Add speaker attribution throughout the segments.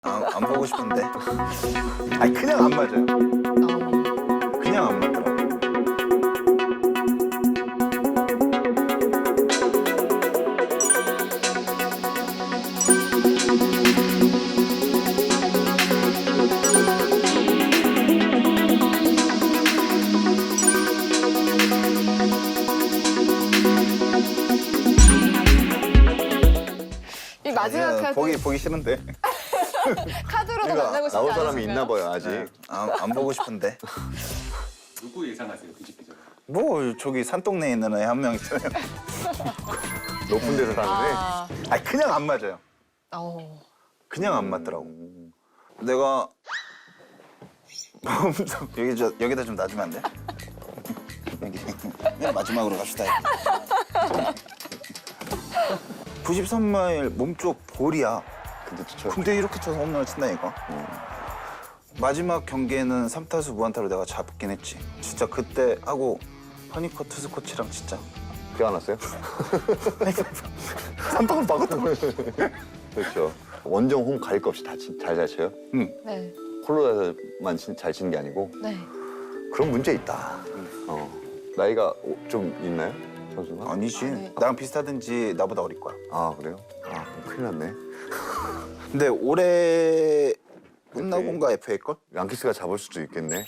Speaker 1: 안 보고 싶은데. 아니 그냥 안 맞아요. 그냥 안 맞더라고.
Speaker 2: 이 마지막 카드
Speaker 1: 보기 싫은데.
Speaker 2: 카드로도
Speaker 3: 그러니까
Speaker 2: 만나고 싶지
Speaker 3: 나올 사람이
Speaker 2: 않으신가요?
Speaker 3: 있나 봐요 아직.
Speaker 1: 안 보고 싶은데.
Speaker 4: 누구 예상하세요? 그 집기자.
Speaker 1: 뭐 저기 산동네에 있는 애 한 명 있잖아요.
Speaker 3: 높은 데서 사는데.
Speaker 2: 아,
Speaker 1: 아니 그냥 안 맞아요. 그냥 안 맞더라고. 내가 여기다 좀 놔주면 안 돼? 여기 맨 마지막으로 갑시다. 93마일 몸쪽 볼이야.
Speaker 3: 근데 저
Speaker 1: 근데 이렇게 쳐서 홈런을 친다니까. 마지막 경기에는 3타수 무안타로 내가 잡긴 했지. 진짜 그때 하고 허니커 투수 코치랑 진짜
Speaker 3: 기억 안 났어요?
Speaker 1: 3방울 막았던 거야.
Speaker 3: 그렇죠. 원정 홈 갈 거 없이 다 잘 쳐요.
Speaker 2: 네,
Speaker 3: 콜로라도만 잘 치는 게 아니고
Speaker 2: 네.
Speaker 3: 그런 문제 있다. 나이가 좀 있나요, 선수가?
Speaker 1: 아니지.
Speaker 2: 네.
Speaker 1: 나랑 비슷하든지 나보다 어릴 거야.
Speaker 3: 아 그래요? 아 그럼 큰일 났네.
Speaker 1: 근데 올해 끝나고인가 FA걸?
Speaker 3: 양키스가 잡을 수도 있겠네.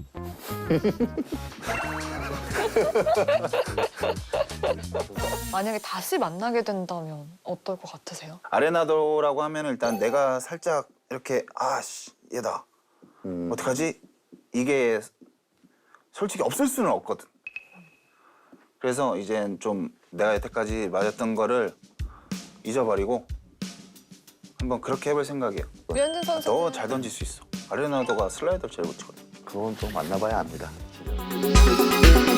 Speaker 2: 만약에 다시 만나게 된다면 어떨 것 같으세요?
Speaker 1: 아레나도라고 하면 일단 내가 살짝 이렇게 아씨 얘다 어떡하지? 이게 솔직히 없을 수는 없거든. 그래서 이젠 좀 내가 여태까지 맞았던 거를 잊어버리고 한번 그렇게 해볼 생각이에요.
Speaker 2: 류현진 선수
Speaker 1: 너 잘 던질 수 있어. 아레나도가 슬라이더 제일 못 치거든.
Speaker 3: 그건 또 만나봐야 압니다. 진짜.